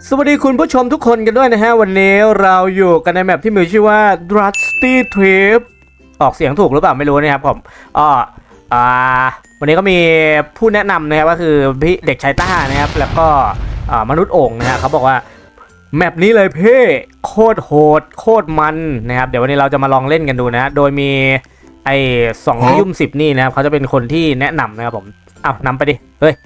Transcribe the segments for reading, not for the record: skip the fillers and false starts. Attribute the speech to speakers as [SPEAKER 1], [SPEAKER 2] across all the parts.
[SPEAKER 1] สวัสดีคุณผู้ชมทุกคนกันด้วยนะฮะวันนี้เราอยู่กันในแมปที่มีชื่อว่า Rusty Trip ออกเสียงถูกหรือเปล่าไม่รู้นะครับผมวันนี้ก็มีผู้แนะนำนะครับก็คือพี่เด็กชายต้านะครับแล้วก็มนุษย์โอ่งนะฮะเขาบอกว่าแมปนี้เลยเพ่โคตรโหดโคตรมันนะครับเดี๋ยววันนี้เราจะมาลองเล่นกันดูนะโดยมีไอ้2:10นี่นะครับเขาจะเป็นคนที่แนะนำนะครับผมนำไปดิเฮ้ย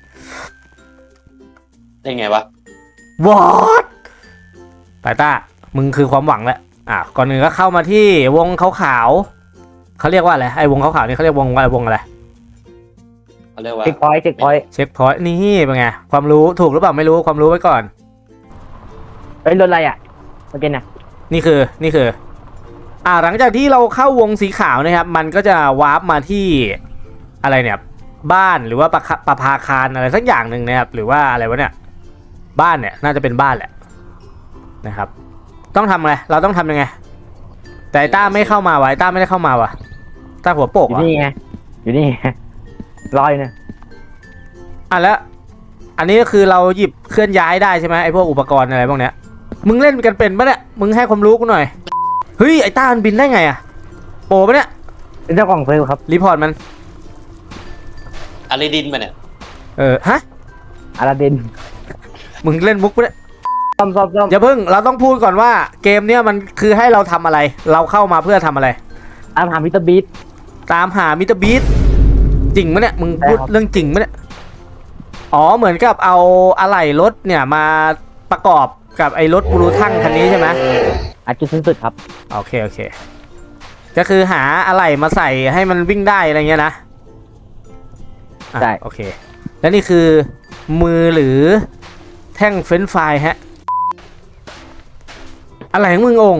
[SPEAKER 2] ได้ไงวะ
[SPEAKER 1] วอทไปต้ามึงคือความหวังแหละก่อนหนึ่งก็เข้ามาที่วงขาวๆเขาเรียกว่าอะไรไอ้วงขาวๆนี่เขาเรียกวงอะไร
[SPEAKER 2] เขาเรียกว่า
[SPEAKER 3] เช็คพอยต์
[SPEAKER 1] นี่เป็นไงความรู้ถูกหรือเปล่าไม่รู้ความรู้ไว้ก่อน
[SPEAKER 3] เฮ้ยรถอะไรอ่ะเมื่อกี้น่ะ
[SPEAKER 1] นี่คือหลังจากที่เราเข้าวงสีขาวนะครับมันก็จะวาร์ปมาที่อะไรเนี่ยบ้านหรือว่าประภาคารอะไรสักอย่างหนึ่งนะครับหรือว่าอะไรวะเนี่ยบ้านเนี่ยน่าจะเป็นบ้านแหละนะครับต้องทำไงเราต้องทำยังไงแต่ต้าไม่เข้ามาไว้ต้าไม่ได้เข้ามาวะต้าหัวโปก
[SPEAKER 3] อยู่นี่ไงรอยเนี่ย
[SPEAKER 1] แล้วอันนี้ก็คือเราหยิบเคลื่อนย้ายได้ใช่ไหมไอ้พวกอุปกรณ์อะไรพวกเนี้ยมึงเล่นกันเป็นปะเนี่ยมึงให้ความรู้กูหน่อยเฮ้ยไอ้ต้ามันบินได้ไงอะโปปะเนี่ย
[SPEAKER 3] เป็นเจ้าของเซิร์ฟครับ
[SPEAKER 1] รีพอร์ตมัน
[SPEAKER 2] อาริดินมาเนี่ย
[SPEAKER 1] ฮะ
[SPEAKER 3] อาราดิน
[SPEAKER 1] มึงเล่นมุกปะเนี่ย
[SPEAKER 3] ซ่อม
[SPEAKER 1] อย่าเพิ่งเราต้องพูดก่อนว่าเกมเนี้ยมันคือให้เราทำอะไรเราเข้ามาเพื่อทำอะไร
[SPEAKER 3] ตามหามิสเตอร์บีท
[SPEAKER 1] จริงไหมเนี่ยมึงพูดเรื่องจริงไหมเนี่ยเหมือนกับเอาอะไหล่รถเนี่ยมาประกอบกับไอ้รถบูรูทั่งคันนี้ใช่ไหม
[SPEAKER 3] จุดสิ้นสุดครับ
[SPEAKER 1] โอเคก็คือหาอะไหล่มาใส่ให้มันวิ่งได้อะไรเงี้ยนะ
[SPEAKER 3] ได้
[SPEAKER 1] โอเคแล้วนี่คือมือหรือแท่งเฟรนช์ฟรายฮะอะไรของมึงอง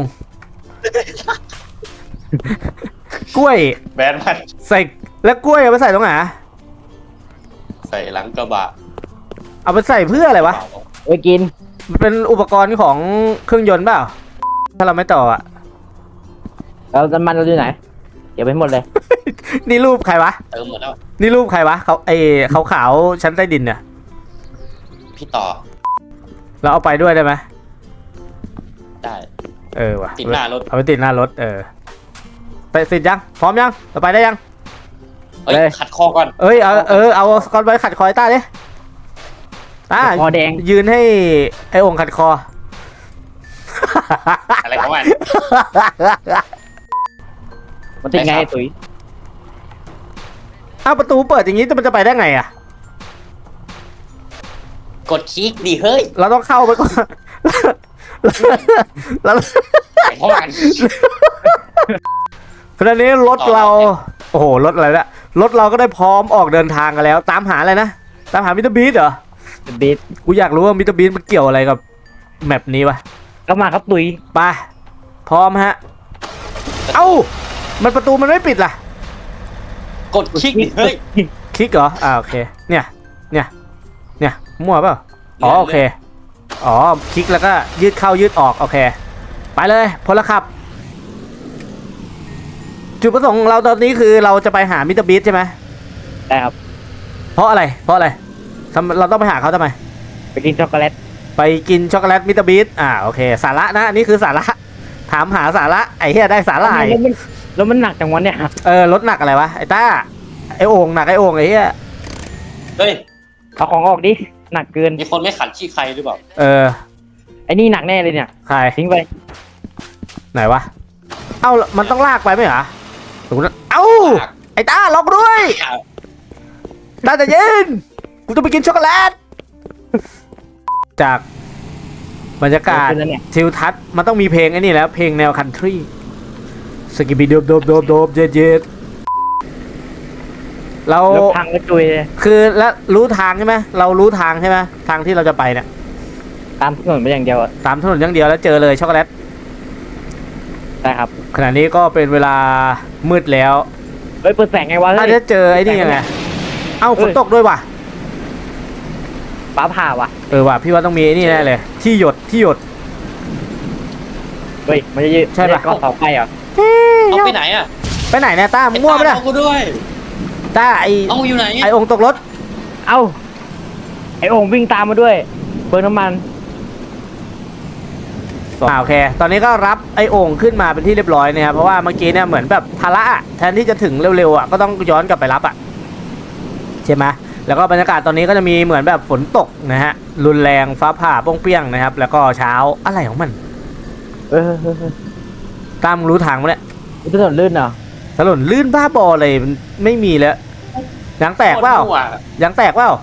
[SPEAKER 1] กล้วย
[SPEAKER 2] แบนมัน
[SPEAKER 1] ใส่แล้วกล้วยเอาไปใส่ตรงไหน
[SPEAKER 2] ใส่หลังกระบะ
[SPEAKER 1] เอาไปใส่เพื่ออะไรวะ
[SPEAKER 3] ไว้กิน
[SPEAKER 1] มันเป็นอุปกรณ์ของเครื่องยนต์เปล่าถ้าเราไม่ต่อ
[SPEAKER 3] เราจะมันเราดูไหนเดี๋ยวไปหมดเลย
[SPEAKER 1] นี่รูปใครวะ
[SPEAKER 2] เติมหมดแล้ว
[SPEAKER 1] นี่รูปใครวะเขาขาวชั้นใต้ดินเนี่ย
[SPEAKER 2] พี่ต่อ
[SPEAKER 1] เราเอาไปด้วยได้ไหม
[SPEAKER 2] ได้
[SPEAKER 1] ว่ะ
[SPEAKER 2] ติดหน้ารถ
[SPEAKER 1] เอาไปติดหน้ารถไปติดยังพร้อมยังเราไปได้ยัง
[SPEAKER 2] ขัดคอก่อน
[SPEAKER 1] เอาสกอตไว้ขัดคอต้าดิ
[SPEAKER 3] คอแดง
[SPEAKER 1] ยืนให้ไอ้องค์ขัดคอ
[SPEAKER 2] อะไรของมัน
[SPEAKER 3] มันติดไงตุ๋ย
[SPEAKER 1] ประตูเปิดอย่างนี้มันจะไปได้ไง
[SPEAKER 2] กดคลิกดิเฮ้ย
[SPEAKER 1] เราต้องเข้าไปก่อนแล้ว
[SPEAKER 2] ของมัน
[SPEAKER 1] ขณะนี้รถเราโอ้โหรถอะไรเนี่ยรถเราก็ได้พร้อมออกเดินทางกันแล้วตามหาอะไรนะตามหามิสเตอร์บีทเหรอ
[SPEAKER 3] บีท
[SPEAKER 1] กูอยากรู้ว่ามิสเตอร์บีทมันเกี่ยวอะไรกับแมปนี้วะ
[SPEAKER 3] ก็มาครับตุ๋ย
[SPEAKER 1] ไปพร้อมฮะมันประตูมันไม่ปิดล่ะ
[SPEAKER 2] กดคลิกดิเฮ้ย
[SPEAKER 1] คลิกเหรอโอเคเนี่ยมั่วเปล่าโอเคคลิกแล้วก็ยืดเข้ายืดออกโอเคไปเลยพลขับจุดประสงค์ของเราตอนนี้คือเราจะไปหามิสเตอร์บีทใช่ไหม
[SPEAKER 3] ได้ครับ
[SPEAKER 1] เพราะอะไรเราต้องไปหาเขาทำไม
[SPEAKER 3] ไปกินช็อกโกแลต
[SPEAKER 1] มิสเตอร์บีทโอเคสาระนะอันนี้คือสาระถามหาสาระไอ้เหี้ยได้สาระ
[SPEAKER 3] แล้วมันหนักจังวะเนี่ย
[SPEAKER 1] รถหนักอะไรวะไอ้ต้าไอ้โอ่งหนักไอ้โอ่งไอ้เหี้ย
[SPEAKER 2] เฮ้ย
[SPEAKER 3] เอาของออกดิหนักเกิน
[SPEAKER 2] มีคนไม่ขันขี้ใครหรือเปล่า
[SPEAKER 3] ไอ้นี่หนักแน่เลยเนี่ย
[SPEAKER 1] ใคร
[SPEAKER 3] ทิ้งไป
[SPEAKER 1] ไหนวะมันต้องลากไปไหมเหรอถูกนะไอ้ต้าล็อกด้วยต้าจะเย็นกูต้องไปกินช็อกโกแลตจากบรรยากาศทิวทัศน์มันต้องมีเพลงไอ้นี่แล้วเพลงแนวคันทรีสกิบิโดบเย็ดเรา
[SPEAKER 3] ทางก็จุย
[SPEAKER 1] คือแล้วรู้ทางใช่ไหมเรารู้ทางใช่ไหมทางที่เราจะไปเนี่ย
[SPEAKER 3] ตามถนนไปอย่างเดียว
[SPEAKER 1] ตามถนนอย่างเดียวแล้วเจอเลยช็อกโกแลต
[SPEAKER 3] ใช่ครับ
[SPEAKER 1] ขณะนี้ก็เป็นเวลามืดแล้ว
[SPEAKER 3] เปิดแสงไงวะ
[SPEAKER 1] ถ้าจะเจอไอ้นี่ยังไงฝนตกด้วยว่ะ
[SPEAKER 3] ฟ้าผ่าว่ะ
[SPEAKER 1] ว่ะพี่ว่าต้องมีไอ้นี่แน่เลยที่หยด
[SPEAKER 3] เฮ้ยมันจะยืด
[SPEAKER 1] ใช่ป่ะ
[SPEAKER 3] ก็เสาไฟเหรอ
[SPEAKER 2] เอาไปไหน
[SPEAKER 1] ไปไหนเนี่ยต้ามั่วไปเลย
[SPEAKER 2] เอาด้วย
[SPEAKER 1] ต้า
[SPEAKER 2] เอาอยู่ไหน
[SPEAKER 1] ไอ้องค์ตกรถ
[SPEAKER 3] ไอ้องค์วิ่งตามมาด้วยเบิร์นน้ำมัน
[SPEAKER 1] โอเคตอนนี้ก็รับไอ้โอ่งขึ้นมาเป็นที่เรียบร้อยนะครับเพราะว่าเมื่อกี้เนี่ยเหมือนแบบภาระอะแทนที่จะถึงเร็วๆอ่ะก็ต้องย้อนกลับไปรับอ่ะใช่ไหมแล้วก็บรรยากาศตอนนี้ก็จะมีเหมือนแบบฝนตกนะฮะรุนแรงฟ้าผ่าโป้งเปี้ยงนะครับแล้วก็เช้าอะไรของมันตามรู้ทางมั้ยเนี่ย
[SPEAKER 3] มันถนนลื่นเหรอ
[SPEAKER 1] ถนนลื่นบ้าบอเลยมันไม่มีแล้วยางแตกเปล่า
[SPEAKER 2] โคตรมั่วย
[SPEAKER 1] างแตกเปล่า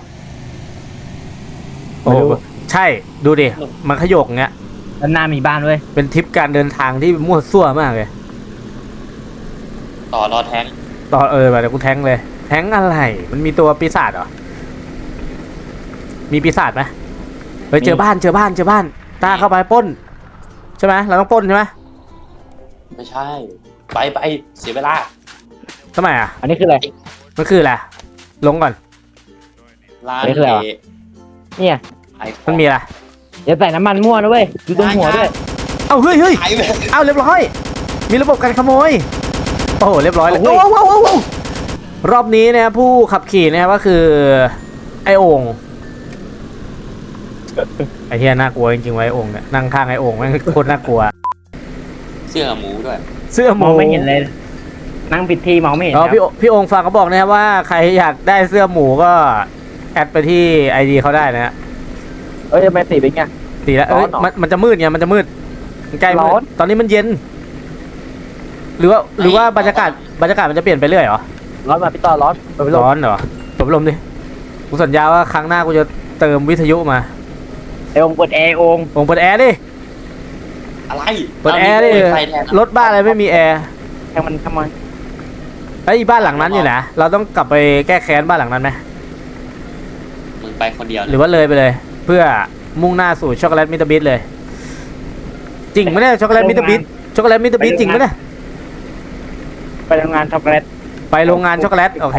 [SPEAKER 1] โอ้ใช่ดูดิมันขยกเงี้ย
[SPEAKER 3] ด้านหน้ามีบ้านเว้ย
[SPEAKER 1] เป็นทริปการเดินทางที่มั่วซั่วมากเลย
[SPEAKER 2] ต่อรอแทง
[SPEAKER 1] ต่อแบบเดี๋ยวกูแทงเลยแทงอะไรมันมีตัวปีศาจเหรอมีปีศาจไหมเฮ้ยเจอบ้านตาเข้าไปปล้นใช่ไหมเราต้องปล้นใช่ไหม
[SPEAKER 2] ไม่ใช่ ไปเสียเวลา
[SPEAKER 1] ทำไมอ่ะ
[SPEAKER 3] อันนี้คืออะไร
[SPEAKER 1] มันคืออะไรลงก่อน
[SPEAKER 2] ร้าน
[SPEAKER 3] ไม่เคยเหรอ เนี่ย
[SPEAKER 2] ไอ้ของ
[SPEAKER 1] มันมีอะไร
[SPEAKER 3] อย่าใส่น้ำมันมั่วนะเว้ยดูตรงหัวด้วย
[SPEAKER 1] เอ้าเฮ้ย
[SPEAKER 2] ไอ้แบบ
[SPEAKER 1] เอ้าเรียบร้อยมีระบบการขโมยโอ้โหเรียบร้อยเลย
[SPEAKER 3] โอ้
[SPEAKER 1] โอ้
[SPEAKER 3] โห
[SPEAKER 1] โหรอบนี้นะครับผู้ขับขี่นะครับก็คือไอโอ่งไอเทียน่ากลัวจริงๆไว้โอ่งเนี่ยนั่งข้างไอโอ่งแม่งโคตรน่ากลัว
[SPEAKER 2] เสื้อหมูด้วย
[SPEAKER 1] เสื้อห
[SPEAKER 3] ม
[SPEAKER 1] มู
[SPEAKER 3] องไม่เห็นเลย นั่งผิดที่มองไม่เห็น
[SPEAKER 1] อ๋อ
[SPEAKER 3] ครับ
[SPEAKER 1] พี่โอ่งฝากเขาบอกนะครับว่าใครอยากได้เสื้อหมูก็แอดไปที่ไอดีเขาได้นะฮะ
[SPEAKER 3] เอ้ยทำไมสีเป็นไง
[SPEAKER 1] ตีแล้ว
[SPEAKER 3] ร้อนเหรอ
[SPEAKER 1] มันจะมืดไงมันจะมืดมันใกล้มื
[SPEAKER 3] ร้อ
[SPEAKER 1] ด
[SPEAKER 3] น
[SPEAKER 1] ตอนนี้มันเย็น หรือว่าบรรยากาศมันจะเปลี่ยนไปเรื่อยเหรอ
[SPEAKER 3] ร้อนมาพี่ต่อร้อนเปิดพัดลม
[SPEAKER 1] ร้อนเหรอเปิดพัดลมดิกูสัญญาว่าครั้งหน้ากูจะเติมวิทยุมา
[SPEAKER 3] ไอองค์เปิดแอร์องค์
[SPEAKER 1] โอ่งเปิดแอร์ดิ
[SPEAKER 2] อะไร
[SPEAKER 1] เปิดแอร์ดิ
[SPEAKER 2] ไฟแทน
[SPEAKER 1] รถบ้านอะไรไม่มีแอร์
[SPEAKER 3] แทงมันทำไม
[SPEAKER 1] ไอ้ยบ้านหลังนั้นอยู่นะเราต้องกลับไปแก้แค้นบ้านหลังนั้นไหม
[SPEAKER 2] มึงไปคนเดียว
[SPEAKER 1] หรือว่าเลยไปเลย เพื่อมุ่งหน้าสู่ช็อกโกแลตมิสเตอร์บิทเลยจริงไหมเนี่ยช็อกโกแลตมิสเตอร์บิทจริงไหมเนี่ย
[SPEAKER 3] ไปทำงานช็อกโกแลต
[SPEAKER 1] ไปโรงงานช็อกโกแลตโอเค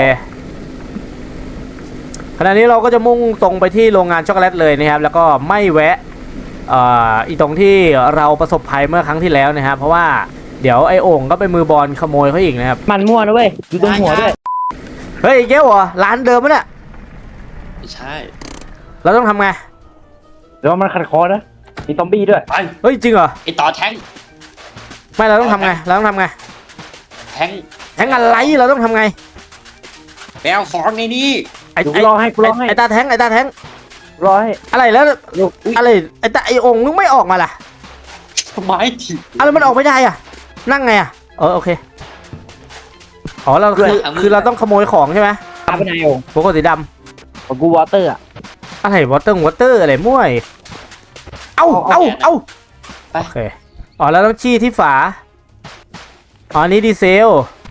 [SPEAKER 1] ขณะนี้เราก็จะมุ่งตรงไปที่โรงงานช็อกโกแลตเลยนะครับแล้วก็ไม่แวะอีตรงที่เราประสบภัยเมื่อครั้งที่แล้วนะครับเพราะว่าเดี๋ยวไอ้โอ่งก็ไปมือบอลขโมยเขาอีกนะครับ
[SPEAKER 3] มันมั่วนะเว้ยดูตรงหัวด้วย
[SPEAKER 1] เฮ้ยเก้วเหรอร้านเดิมมั้ยเนี่ย
[SPEAKER 2] ไม่ใช่
[SPEAKER 1] เราต้องทำไง
[SPEAKER 3] แล้วมันขัดคอนะมีซอมบี้ด้วย
[SPEAKER 2] ไป
[SPEAKER 1] เฮ้ยจริงเหรอ
[SPEAKER 2] ไอ้ต่อแทง
[SPEAKER 1] ไม่เราต้องทำไงเราต้องทำไง
[SPEAKER 2] แทง
[SPEAKER 1] แทงอะไรเราต้องทำไง
[SPEAKER 2] แปลของในนี้
[SPEAKER 1] ไอ้
[SPEAKER 3] กูรอให้กูรอให้
[SPEAKER 1] ไอ้ตาแทง
[SPEAKER 3] รอให้
[SPEAKER 1] อะไรแล้ว
[SPEAKER 3] ลูก
[SPEAKER 1] อะไรไอ้โอ่งมึงไม่ออกมาล่ะ
[SPEAKER 2] ทำไมถีบ
[SPEAKER 1] อะไรมันออกไม่ได้อ่ะนั่งไงอ่ะโอเคอ๋อเราคือเราต้องขโมยของใช่ไหม
[SPEAKER 3] พาไปไหนองค์
[SPEAKER 1] โกโก้สีด
[SPEAKER 3] ของกูวอเตอร์อ่ะ
[SPEAKER 1] ำอะไรวอเตอร์อะไรมั่วอีกเอ้าโอเคอ๋อแล้วต้องชี้ที่ฝาอ๋ออันนี้ดีเซล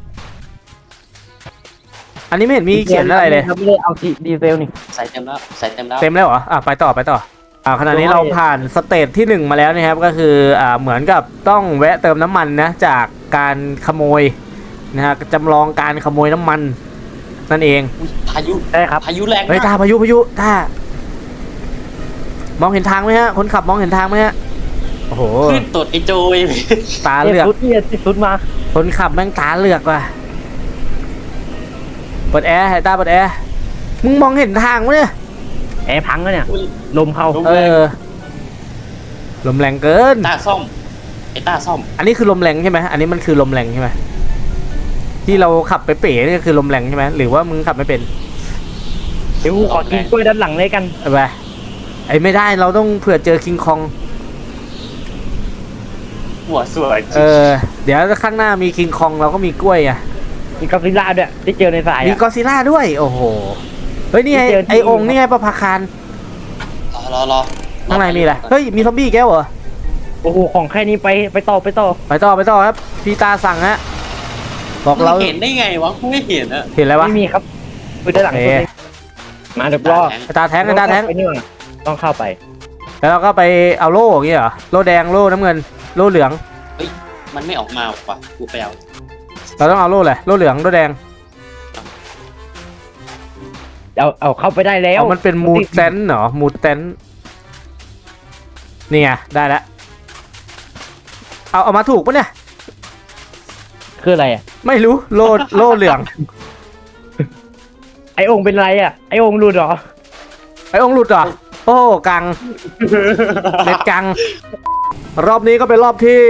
[SPEAKER 1] อันนี้ไม่เห็นมีเขียนอะไรเลย
[SPEAKER 3] เราไม่ได้เอาดีเซลนี่
[SPEAKER 2] ใส่เต็มแล้วใส่เต็มแล้ว
[SPEAKER 1] เต็มแล้วเหรอไปต่อขณะนี้เราผ่านสเตจที่ 1 มาแล้วนะครับก็คือเหมือนกับต้องแวะเติมน้ำมันนะจากการขโมยนะฮะจำลองการขโมยน้ำมันนั่นเอง
[SPEAKER 2] อุ๊ยพายุ
[SPEAKER 3] ได้ครับ
[SPEAKER 2] พายุแรง
[SPEAKER 1] เฮ้ย
[SPEAKER 2] มาก
[SPEAKER 1] ตาพายุมองเห็นทางไหมฮะคนขับมองเห็นทางไหมฮะโอ้โห
[SPEAKER 2] ขึ้นตดไอ้โจย
[SPEAKER 1] ตาเหลือก
[SPEAKER 3] ชุดเนี่ยชุดมา
[SPEAKER 1] คนขับแม่งตาเหลือกว่ะเปิดแอร์ให้ตาเปิดแอร์มึงมองเห็นทางไหมเนี่ย
[SPEAKER 3] แอร์พังแล้วเนี่ย ลมเข้า
[SPEAKER 1] ลมแรงเกิน
[SPEAKER 2] ต้าซ่อมไอ้ต้าซ่อม
[SPEAKER 1] อันนี้คือลมแรงใช่ไหมอันนี้มันคือลมแรงใช่ไหมที่เราขับไปเป๋นี่คือลมแรงใช่ไหมหรือว่ามึงขับไม่เป็น
[SPEAKER 3] เดี๋ยวกูขอกินกล้วยด้านหลังเลยกัน
[SPEAKER 1] เอาไปไอ้ไม่ได้เราต้องเผื่อเจอคิงคอง
[SPEAKER 2] หัวสวย
[SPEAKER 1] เดี๋ยวข้างหน้ามีคิงคองเราก็มีกล้วยอ่ะ
[SPEAKER 3] มีกอซิล่าด้วยที่เจอในสาย
[SPEAKER 1] มี
[SPEAKER 3] อ่ะ
[SPEAKER 1] กอซิล่าด้วยโอ้โหเฮ้ยนี่ไง
[SPEAKER 3] ที่เจอที่
[SPEAKER 1] ไอองค์นี่ไงประภาคาร
[SPEAKER 2] รอ
[SPEAKER 1] ข้างในมีอะไรเฮ้ยมีซอมบี้แก้วเหรอ
[SPEAKER 3] โอ้โหของแค่นี้ไปต่อ
[SPEAKER 1] ไปต่อครับพี่ตาสั่งฮะบอกเรา
[SPEAKER 2] เราเห็นได้ไงวะกูไม่เห็นอะ
[SPEAKER 1] เห็นอะไรวะ
[SPEAKER 3] ไม่มีครับไปด้านหลัง
[SPEAKER 1] โอ
[SPEAKER 3] สุด
[SPEAKER 1] เค
[SPEAKER 3] เลยมาเดี๋ยวรอ
[SPEAKER 1] ไอ้ตาแทง
[SPEAKER 3] ไปนี่ว่ะต้องเข้าไป
[SPEAKER 1] แล้วเราก็ไปเอาโล่อย่างเงี้ยเหรอโล่แดงโล่น้ำเงินโล่เหลือง
[SPEAKER 2] มันไม่ออกมาว่ะกูไปเอา
[SPEAKER 1] เราต้องเอาโล่เลยโล่เหลืองโล่แดง
[SPEAKER 3] เอาเข้าไปได้แล้ว
[SPEAKER 1] มันเป็นมูดเตนเหรอมูดเตนนี่ไงได้แล้วเอามาถูกปะเนี่ย
[SPEAKER 3] คืออะไรอ่ะ
[SPEAKER 1] ไม่รู้โล่เหลือง
[SPEAKER 3] ไอองค์เป็นไรอ่ะไอองค์หลุดเหรอ
[SPEAKER 1] ไอ้องค์หลุดเหรอโอ้กังเน็ตกังรอบนี้ก็เป็นรอบที่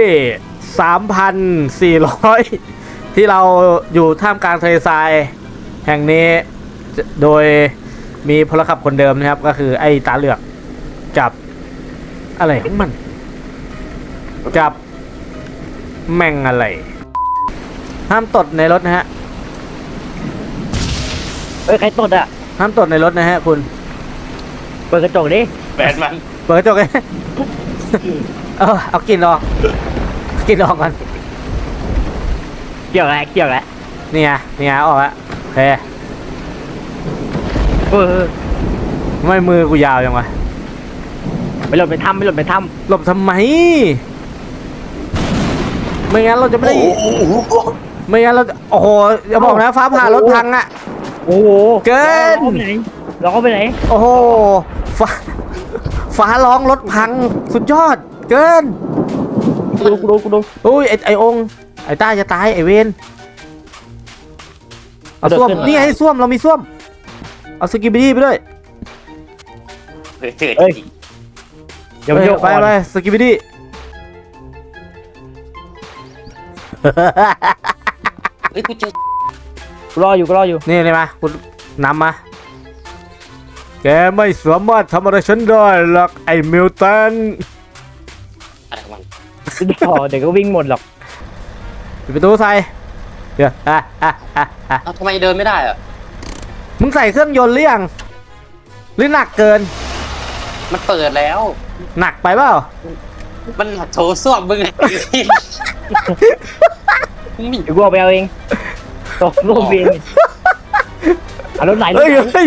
[SPEAKER 1] 3,400 ที่เราอยู่ท่ามกลางทะเลทรายแห่งนี้โดยมีพลขับคนเดิมนะครับก็คือไอ้ตาเหลือกจับอะไรของมันจับแม่งอะไรห้ามตดในรถนะฮะ
[SPEAKER 3] เอ้ยใครตดอ่ะ
[SPEAKER 1] ห้ามตดในรถนะฮะคุณ
[SPEAKER 3] เปิดกระจกดิ
[SPEAKER 2] แบนมัน
[SPEAKER 1] เปิดกระจกเลย เอากลิ่นออกกลิ่นออกก่อน
[SPEAKER 3] เกี่ยวแล้วเกี่ยวแล้ว
[SPEAKER 1] นี่ไงออกแล้วโอเค
[SPEAKER 3] เออ
[SPEAKER 1] ไม่มือกูยาวยังวะ
[SPEAKER 3] ไปหลบไปถ้ำไปหลบไปถ้
[SPEAKER 1] หลบทำไมไม่งั้นเราจะไม่ได้
[SPEAKER 2] โอ้โห
[SPEAKER 1] ไม่งั้นเราจะโอ้โหอย่าบอกนะฟ้าผ่ารถพังอะ
[SPEAKER 3] ำโอ้โห
[SPEAKER 1] เกิน
[SPEAKER 3] เราก็ไปไหน
[SPEAKER 1] โอ้โหฟ้าฟ้าร้องรถพังสุดยอดเกิน
[SPEAKER 3] กูดู
[SPEAKER 1] อุ้ยไอองค์ไอต้าจะตายไอเวนเอาส้วมนี่ให้ส้วมเรามีส้วมเอาสกิบิดี้ไปด้วย
[SPEAKER 2] เฮ้ยเจิดจริง
[SPEAKER 3] เดี๋ยวมันโยก
[SPEAKER 1] ไป
[SPEAKER 3] ก่อน
[SPEAKER 1] ไปสกิบิดี้
[SPEAKER 2] เฮ้ยกูเจอ
[SPEAKER 3] กูรออยู่
[SPEAKER 1] นี่เลยมาคุณนำมาแกไม่สามารถทำอะไรฉันได้หรอกไอ้มิลตัน
[SPEAKER 2] อะไรของมัน
[SPEAKER 3] เดี๋ยวก็วิ่งหมดหรอก
[SPEAKER 1] ปิดประตูใส่เดี๋ยว
[SPEAKER 2] เอ้าทำไมเดินไม่ได้อะ
[SPEAKER 1] มึงใส่เครื่องยนต์หรือยังหรือหนักเกิน
[SPEAKER 2] มันเปิดแล้ว
[SPEAKER 1] หนักไปเปล่า
[SPEAKER 2] มันโถส้วมมึงไงมึงมี
[SPEAKER 3] เดี๋ยวกูเอาไปเอาเองตกรูปเองเอารถไหลรถ
[SPEAKER 1] เฮ้ย
[SPEAKER 3] ไหล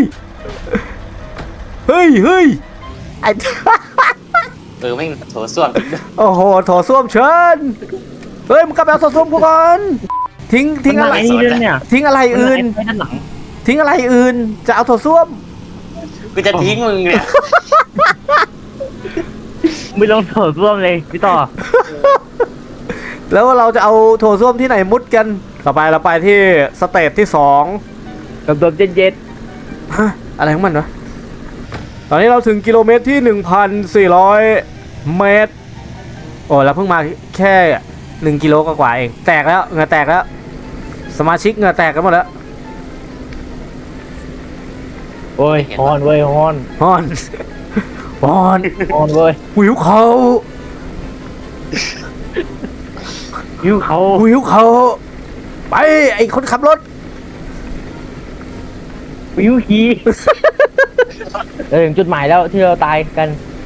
[SPEAKER 1] เฮ้ยไอ้
[SPEAKER 2] ไม่งโถส้วม
[SPEAKER 1] โอ้โหโถส้วมเชิญเฮ้ยมึงกลับไปเอาโถส้วมกูก่อนทิ้งอะไร
[SPEAKER 3] นี่ด้วยเนี่ย
[SPEAKER 1] ทิ้งอะไรอื่น
[SPEAKER 3] ไปด้านหลัง
[SPEAKER 1] ทิ้งอะไรอื่นจะเอาโถส้วม
[SPEAKER 2] กูจะทิ้งมึงเนี่ย
[SPEAKER 3] ไม่ลงโถส้วมเลยพี่ต่อ
[SPEAKER 1] แล้วเราจะเอาโถส้วมที่ไหนมุดกันต่อไปเราไปที่สเตจที่2
[SPEAKER 3] กับตัวเย็น
[SPEAKER 1] ฮะอะไรของมันวะตอนนี้เราถึงกิโลเมตรที่ 1,400 เมตรโอ้เราเพิ่งมาแค่1 กิโลกว่าๆเองแตกแล้วเหงื่อแตกแล้วสมาชิกเหงื่อแตกกันหมดแล้ว
[SPEAKER 3] ๆโอ้ยฮอนเว้ยฮอน
[SPEAKER 1] ฮอน ฮอน
[SPEAKER 3] ฮอนเว้ย
[SPEAKER 1] หิวเขา
[SPEAKER 3] ยิ้วเขา
[SPEAKER 1] หิวเขาไปไอคนขับรถ
[SPEAKER 3] ยิ้วขี้ถึงจุดหมายแล้วที่เราตายกัน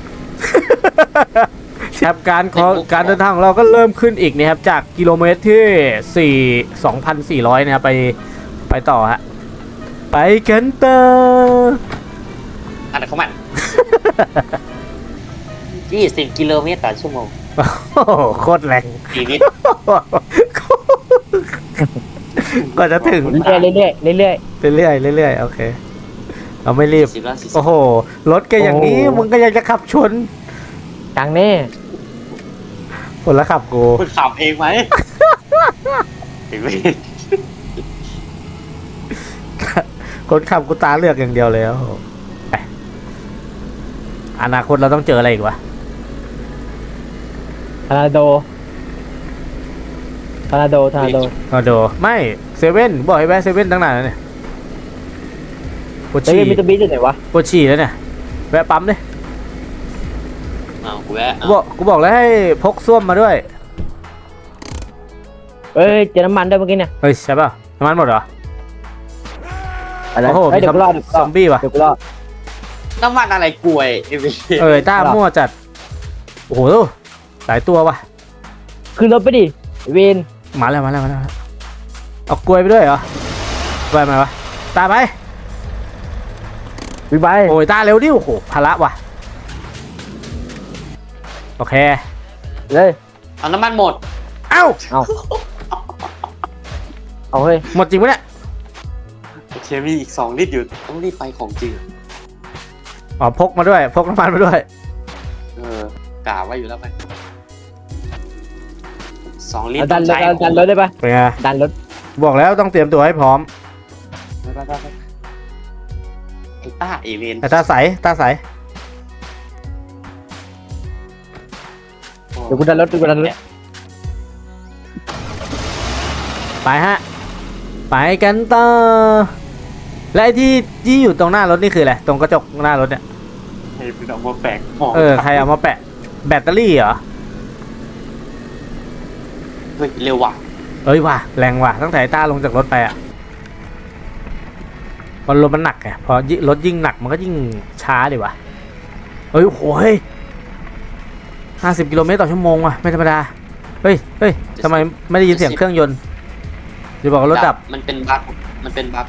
[SPEAKER 1] ครับการเดินทางของเราก็เริ่มขึ้นอีกนะครับจากกิโลเมตรที่ 2,400 นะครับไปต่อฮะไปกันต่อ
[SPEAKER 2] อะไรของมัน 20 กิโลเมตรต่อชั่วโมง
[SPEAKER 1] โอ้โหโคตรแรง
[SPEAKER 2] ชีวิต
[SPEAKER 1] ก็จะถึง
[SPEAKER 3] เรื่อยๆ
[SPEAKER 1] โอเคเราไม่รีบ
[SPEAKER 2] 40แล้ว
[SPEAKER 1] โอ้โหรถแกอย่างนี้
[SPEAKER 3] โอ้
[SPEAKER 1] มึงก็ยังจะขับชน
[SPEAKER 3] จังแน่
[SPEAKER 1] คนละขับกู
[SPEAKER 2] คุณขับเองไหมถึงไม่
[SPEAKER 1] คนขับกูตาเลือกอย่างเดียวแล้วไปอนาคตเราต้องเจออะไรอีกวะ
[SPEAKER 3] ทาราโด
[SPEAKER 1] เอาดูไม่เซเว่นบอกให้แวะเซเว่นตั้งนานแล้วเนี่ยปวด
[SPEAKER 3] เฮ้ย
[SPEAKER 1] ฉี่
[SPEAKER 3] มิสเตอร์บีอยู่ไหนวะ
[SPEAKER 1] ปวดฉี่แล้วเนี่ยแวะปั๊มดิ
[SPEAKER 2] เอากูแวะ
[SPEAKER 1] กูบอกแล้วให้พกส้วมมาด้วย
[SPEAKER 3] เฮ้ยเจอน้ำมันด้วยเมื่อกี้เนี่ย
[SPEAKER 1] เฮ้ยใช่ป่ะน้ำมันหมดเหรอ
[SPEAKER 3] อะไร
[SPEAKER 1] โอ้โห
[SPEAKER 3] เฮ้ย
[SPEAKER 1] มี
[SPEAKER 3] เดี๋ยวกูรอ
[SPEAKER 1] ซอมบี้ว่ะ
[SPEAKER 3] เดี๋ยวกูรอ
[SPEAKER 2] น้ำมันอะไรกล้วยเอวี
[SPEAKER 1] ต้ามั่วจัดโอ้โหหลายตัวว่ะ
[SPEAKER 3] ขึ้นรถไปดิเวน
[SPEAKER 1] มาแล้วเอากล้วยไปด้วยเหรอไปไหมวะตามไป
[SPEAKER 3] วิบาย
[SPEAKER 1] โอ้ยตาเร็วดิโอ้โหภาระว่ะโอเค
[SPEAKER 3] เลย
[SPEAKER 2] เอาน้ำมันหมด
[SPEAKER 1] เอ้า
[SPEAKER 3] เอาเฮ้ย
[SPEAKER 1] หมดจริงปะเนี่ย
[SPEAKER 2] โอเคมีอีก2 ลิตรอยู่ต้องรีบไปของจริง
[SPEAKER 1] อ๋อพกมาด้วยพกน้ำมันมาด้วย
[SPEAKER 2] กล่าวไว้อยู่แล้วไป2 ลิตร
[SPEAKER 3] เอาดั
[SPEAKER 2] ต้
[SPEAKER 3] น
[SPEAKER 2] อง
[SPEAKER 3] รถ
[SPEAKER 2] ใช้
[SPEAKER 3] ดันรถได้ปะ
[SPEAKER 1] เป็นไง
[SPEAKER 3] ดันรถ
[SPEAKER 1] บอกแล้วต้องเตรียมตัวให้พร้อม
[SPEAKER 2] ไปไอ้ต้าเอเวน
[SPEAKER 1] แต่ตาใส
[SPEAKER 2] โอ้
[SPEAKER 3] เดี๋ยวกูดันรถกูดันรถ
[SPEAKER 1] ไปฮะ ไปกันต่อ และไอ้ที่อยู่ตรงหน้ารถนี่คืออะไร ตรงกระจกหน้ารถเนี่ย
[SPEAKER 2] ให้เป็นเอามาแปลกมอง
[SPEAKER 1] ใครเอามาแปะ แบตเตอรี่เหรอ
[SPEAKER 2] เฮ้ยเร็วว่ะ
[SPEAKER 1] เอ้ยว่ะแรงว่ะตั้งแต่ไอ้ต้าลงจากรถไปอ่ะมันรถมันหนักไงพอรถยิ่งหนักมันก็ยิ่งช้าดิว่ะเฮ้ยโอ้โห50 กิโลเมตรต่อชั่วโมงว่ะไม่ธรรมดาเฮ้ยทำไมไม่ได้ยินเสียงเครื่องยนต์จะบอกว่ารถดับ
[SPEAKER 2] มันเป็นบั๊กมันเป็นบั๊ก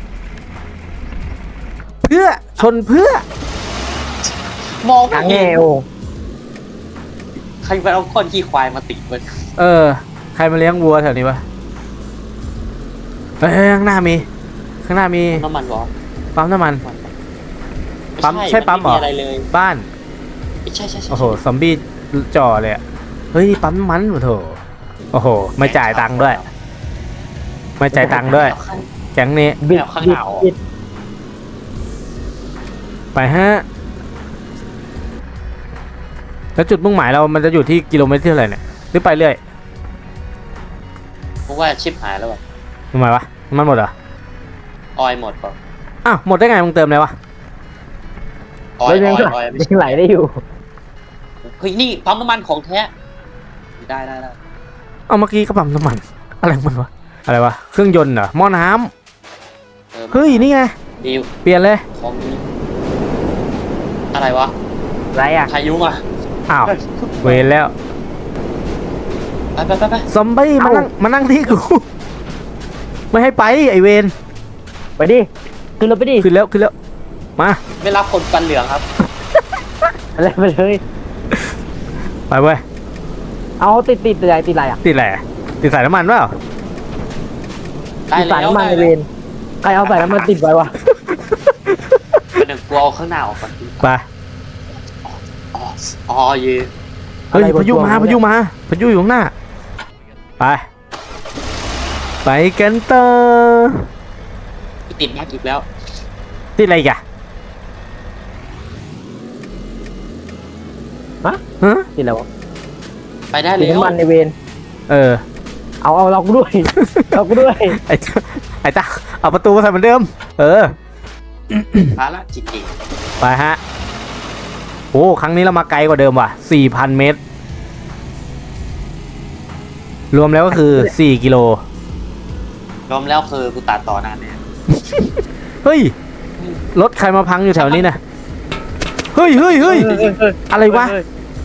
[SPEAKER 1] เพื่อชนเพื่อ
[SPEAKER 2] มอง
[SPEAKER 3] ทาง
[SPEAKER 2] ไม่
[SPEAKER 3] แง่
[SPEAKER 2] เห็น
[SPEAKER 3] โอ้
[SPEAKER 2] ใครไปเอาก้อนขี้ควายมาติดมัน
[SPEAKER 1] ใครมาเลี้ยงวัวแถวนี้วะเฮ้ยข้างหน้ามี
[SPEAKER 2] น้ำมันวะ
[SPEAKER 1] ปั๊มน้ำมัน ปั๊มใช่ปั๊มเหรอ
[SPEAKER 2] นไอะไรเลย
[SPEAKER 1] บ้าน
[SPEAKER 2] ใช่
[SPEAKER 1] โอ้โหซอมบี้จ่อเลยอะเฮ้ยปั๊มน้ำมันโอ้โถโอ้โหไม่จ่ายตังค์ด้วยไม่จ่ายตังค์ด้วยแก๊งนี้
[SPEAKER 3] บิด
[SPEAKER 2] ข้างหน้าออก
[SPEAKER 3] บิด
[SPEAKER 1] ไปฮะแล้วจุดมุ่งหมายเรามันจะอยู่ที่กิโลเมตรที่เท่าไหร่เนี่ยหรือไปเรื่อย
[SPEAKER 2] เพราะว่าชิปหายแล้วว่ะ
[SPEAKER 1] ทำไมวะน้ำมันหมดเหรอ
[SPEAKER 2] ออยหมดป่ะ
[SPEAKER 1] อ้าวหมดได้ไงมึงเติมเลยวะ
[SPEAKER 2] ออ
[SPEAKER 3] ร
[SPEAKER 2] ย
[SPEAKER 3] ถยัง
[SPEAKER 2] ไม่ใช่
[SPEAKER 3] ยังไหลได้อยู่
[SPEAKER 2] เฮ้ยนี่ปั๊มน้ำมันของแท้ได้
[SPEAKER 1] เอาเมื่อกี้ก็ปั๊มน้ำมันอะไรของมันวะอะไรวะเครื่องยนต์เหรอหม้อน้ำเฮ้ยนี่ไง
[SPEAKER 2] ดีๆ
[SPEAKER 1] เปลี่ยนเลย
[SPEAKER 2] ของดีอะไรวะ
[SPEAKER 3] ไรอ่ะ
[SPEAKER 2] พายุมา
[SPEAKER 1] อ้าวเวรแล้ว
[SPEAKER 2] ไป
[SPEAKER 1] ซอมบี้มานั่งที่กูไม่ให้ไปไอเวน
[SPEAKER 3] ไปดิขึ้นรถไปดิ
[SPEAKER 1] ขึ้นแล้วมา
[SPEAKER 2] ไม่รับคนฟันเหลืองครับ
[SPEAKER 3] อะไรไปเลย
[SPEAKER 1] ไปเว้ย
[SPEAKER 3] เอาติดอะไรอ่ะ
[SPEAKER 1] ติดแหละติดสายน้ำมันเปล่า
[SPEAKER 2] ได้
[SPEAKER 3] ติด
[SPEAKER 2] แล้
[SPEAKER 3] สายว น้ำมัน
[SPEAKER 2] ได้
[SPEAKER 3] ในเว
[SPEAKER 2] แล้ว
[SPEAKER 3] รใครเอาสายน้ำมันติดไว้วะ
[SPEAKER 2] เป็นหนึ่งกลัวเอาข้างหน้าออกก่อน
[SPEAKER 1] ไป
[SPEAKER 2] อ๋อเย่
[SPEAKER 1] เฮ้ยพายุอยู่ข้างหน้าไปกันต่อ
[SPEAKER 2] ติดมากอีกแล้ว
[SPEAKER 1] ติดอะไรอีกอะฮะ
[SPEAKER 3] ติดอะไรวะ
[SPEAKER 2] ไปได้
[SPEAKER 3] ติ
[SPEAKER 2] แล้
[SPEAKER 3] ด
[SPEAKER 2] ว
[SPEAKER 3] น้ำมันในเวร เอาเรากูด้วย เรากูด้วย
[SPEAKER 1] ไอ้ตาเอาประตูมาใส่เหมือนเดิม
[SPEAKER 2] ภาระจริง
[SPEAKER 1] ไปฮะโอ้ครั้งนี้เรามาไกลกว่าเดิมว่ะ 4,000 เมตร รวมแล้วก็คือ 4 กิโล
[SPEAKER 2] ๆรวมแล้วคือกูตัดต่อนานเนี่ย
[SPEAKER 1] เฮ้ย รถใครมาพังอยู่แถวนี้นะเฮ้ยอะไรวะ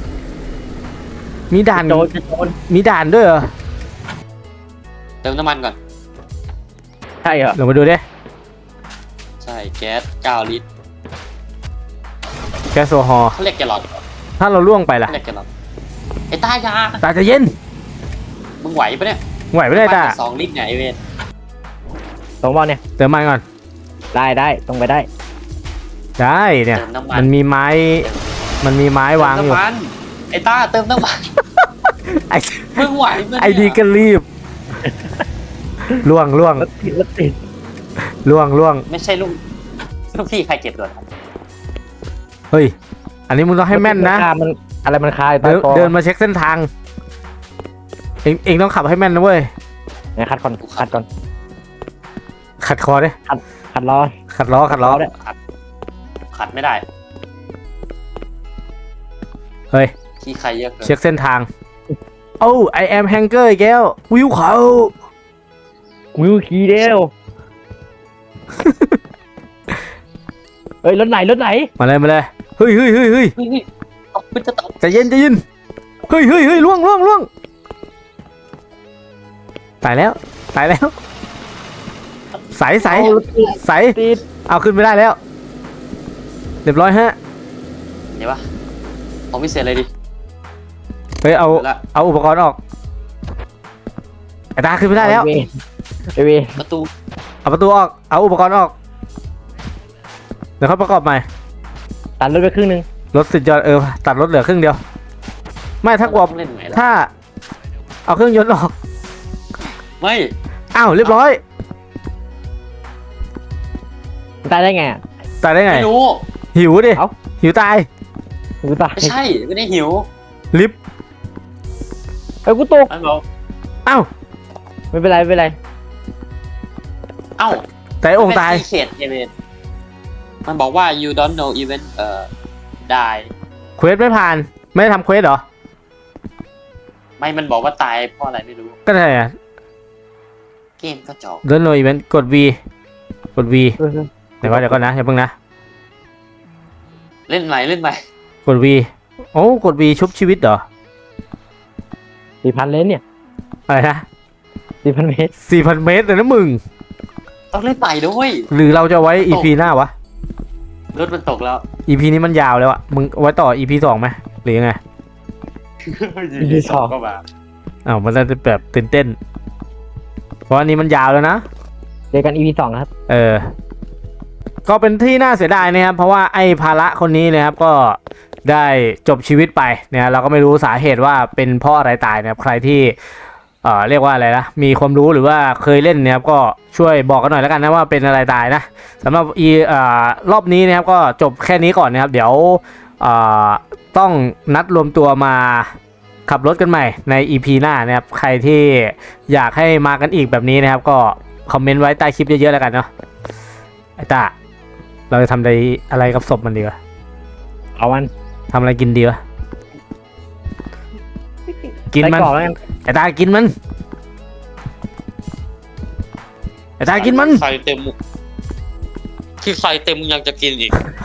[SPEAKER 1] มีด่าน
[SPEAKER 3] โจร
[SPEAKER 1] มีด่านด้วยเหรอ
[SPEAKER 2] เติมน้ำมันก่อน
[SPEAKER 3] ใช่เหรอ
[SPEAKER 1] ลงมาดูดิ
[SPEAKER 2] ใช่แก๊ส9 ลิตร
[SPEAKER 1] แก๊สโซฮอล์
[SPEAKER 2] เขาเรียกแกลลอน
[SPEAKER 1] ถ้าเราล่วงไปล่ะ
[SPEAKER 2] เขาเรียกแกลลอนไอ้ตายา
[SPEAKER 1] ตาจะเย็น
[SPEAKER 2] มึงไหวปะเนี่ย
[SPEAKER 1] ไหวไม่ได้ตา
[SPEAKER 2] 2 ลิตรเนี่ยไอเวน
[SPEAKER 3] สองบอลเนี่ย
[SPEAKER 1] เติมมันก่อน
[SPEAKER 3] ได้ตรงไปได้
[SPEAKER 1] ได้เนี่ย
[SPEAKER 2] เติมน้ำมัน
[SPEAKER 1] มันมีไม้วางอยู่
[SPEAKER 2] เติมน้ำมันไอ้ต้าเติมน้ำมัน
[SPEAKER 1] ไอ้
[SPEAKER 2] มึงไหวปะเนี่ย
[SPEAKER 1] ไอ้ดีก็รีบล่วง
[SPEAKER 3] รถติด
[SPEAKER 2] ไม่ใช่ลูกพี่ใครเก็บด่วนครับ
[SPEAKER 1] เฮ้ย อันนี้มึงต้องให้แม่นนะ
[SPEAKER 3] มันอะไรมันคาอยู่ใต้คอ
[SPEAKER 1] เดินมาเช็คเส้นทาง เองต้องขับให้แม่นนะเว้ย
[SPEAKER 3] เนี่ยคัดก่อน
[SPEAKER 1] ขัดคอดิ
[SPEAKER 3] คัดล้อ
[SPEAKER 1] ขัดล้อ
[SPEAKER 3] เนี่ย
[SPEAKER 2] ขัดไม่ได้
[SPEAKER 1] เฮ้ย
[SPEAKER 2] ที่ใครเยอะเกิน
[SPEAKER 1] เช็คเส้นทาง โอ้ I am hanger อีกแล้ววิวเขา
[SPEAKER 3] วิวขี่เดียวเฮ้ยรถไหน
[SPEAKER 1] มาเลยเฮ้ย
[SPEAKER 2] เฮ้ยเอาคุณจะตก
[SPEAKER 1] ใจเย็นเฮ้ยล่วงตายแล้วใส
[SPEAKER 3] เอารถติด
[SPEAKER 1] เอาขึ้นไม่ได้แล้ว เรียบร้อยฮะ
[SPEAKER 2] เดี๋ยววะของพิเศษเลยดิ
[SPEAKER 1] เฮ้ยเอา
[SPEAKER 2] ละ
[SPEAKER 1] เอาอุปกรณ์ออกไอ้ตาขึ้นไม่ได้แล้ว
[SPEAKER 3] ไอเว
[SPEAKER 2] ประตู
[SPEAKER 1] เอาประตูออกเอาอุปกรณ์ออกเดี๋ยวเขาประกอบใหม่
[SPEAKER 3] ตัดรถไปครึ่งนึง
[SPEAKER 1] รถสุดยอดตัดรถเหลือครึ่งเดียว ไม่ถ้ากลัว
[SPEAKER 2] ต้องเล่นไหนล่ะ
[SPEAKER 1] ถ้า เอาเครื่องยนต์ออก
[SPEAKER 2] ไม่
[SPEAKER 1] อ้าวเรียบร้อย
[SPEAKER 3] ตายได้ไง
[SPEAKER 1] ตายได้ไง
[SPEAKER 2] ไม่รู้
[SPEAKER 1] หิวดิ
[SPEAKER 3] เอ้า
[SPEAKER 1] หิวตาย
[SPEAKER 3] หูตาย
[SPEAKER 2] ไม่ใช่ไม่ได้หิว
[SPEAKER 1] ลิฟต์
[SPEAKER 3] เอ้ยกูตก
[SPEAKER 2] มันบอก
[SPEAKER 1] เอ้า
[SPEAKER 3] ไม่เป็นไรไม่เป็นไร
[SPEAKER 2] เอ้า
[SPEAKER 1] แต่องค์ตาย
[SPEAKER 2] เขตเอเวนมันบอกว่า you don't know even die
[SPEAKER 1] เควสไม่ผ่านไม่ได้ทำเควสเหรอ
[SPEAKER 2] ไม่มันบอกว่าตายเพราะอะไรไม่รู้
[SPEAKER 1] ก็ได้อะ
[SPEAKER 2] เกมก็จอก
[SPEAKER 1] เดินโนอีเวนต์กด V กด V
[SPEAKER 3] เออ
[SPEAKER 1] เดี๋ยวก่อนนะอย่าเพิ่งนะ
[SPEAKER 2] เล่นใหม่เล่นใหม่
[SPEAKER 1] กด V โอ้กด V ชุบชีวิตเหรอ
[SPEAKER 3] 4,000 เลนเนี่ย
[SPEAKER 1] อะไรนะ
[SPEAKER 3] 4,000 เมตร
[SPEAKER 1] 4,000 เมตรเลยนะมึง
[SPEAKER 2] ต้องเล่นใหม่ด้วย
[SPEAKER 1] หรือเราจะไว้ EP หน้าวะ
[SPEAKER 2] รถมันตกแล้ว
[SPEAKER 1] EP นี้มันยาวแล้วอะมึงไว้ต่อ EP 2ไหมหรือยังไง
[SPEAKER 2] ก็มา
[SPEAKER 1] อ้าวมันจะแบบตื่นเต้น เพราะอันนี้มันยาวแล้วนะ
[SPEAKER 3] เจอกัน EP 2 ครับ
[SPEAKER 1] ก็เป็นที่น่าเสียดายนะครับ เพราะว่าไอ้ภาระคนนี้นะครับก็ได้จบชีวิตไปเนี่ยเราก็ไม่รู้สาเหตุว่าเป็นเพราะอะไรตายนะครับใครที่เรียกว่าอะไรนะมีความรู้หรือว่าเคยเล่นเนี่ยครับก็ช่วยบอกกันหน่อยแล้วกันนะว่าเป็นอะไรตายนะสำหรับรอบนี้นะครับก็จบแค่นี้ก่อนนะครับเดี๋ยวต้องนัดรวมตัวมาขับรถกันใหม่ใน EP หน้านะครับใครที่อยากให้มากันอีกแบบนี้นะครับก็คอมเมนต์ไว้ใต้คลิปเยอะๆแล้วกันเนาะไอ้ตาเราจะทำอะไรกับศพมันดีวะ
[SPEAKER 3] เอามัน
[SPEAKER 1] ทำอะไรกินดีวะกินมัน
[SPEAKER 3] ไส้กรอกแล้วกัน
[SPEAKER 1] ไอ้ตากินมันไอ้ตากินมัน
[SPEAKER 2] ไฟเต็มที่ไฟเต็มยังจะกินอีก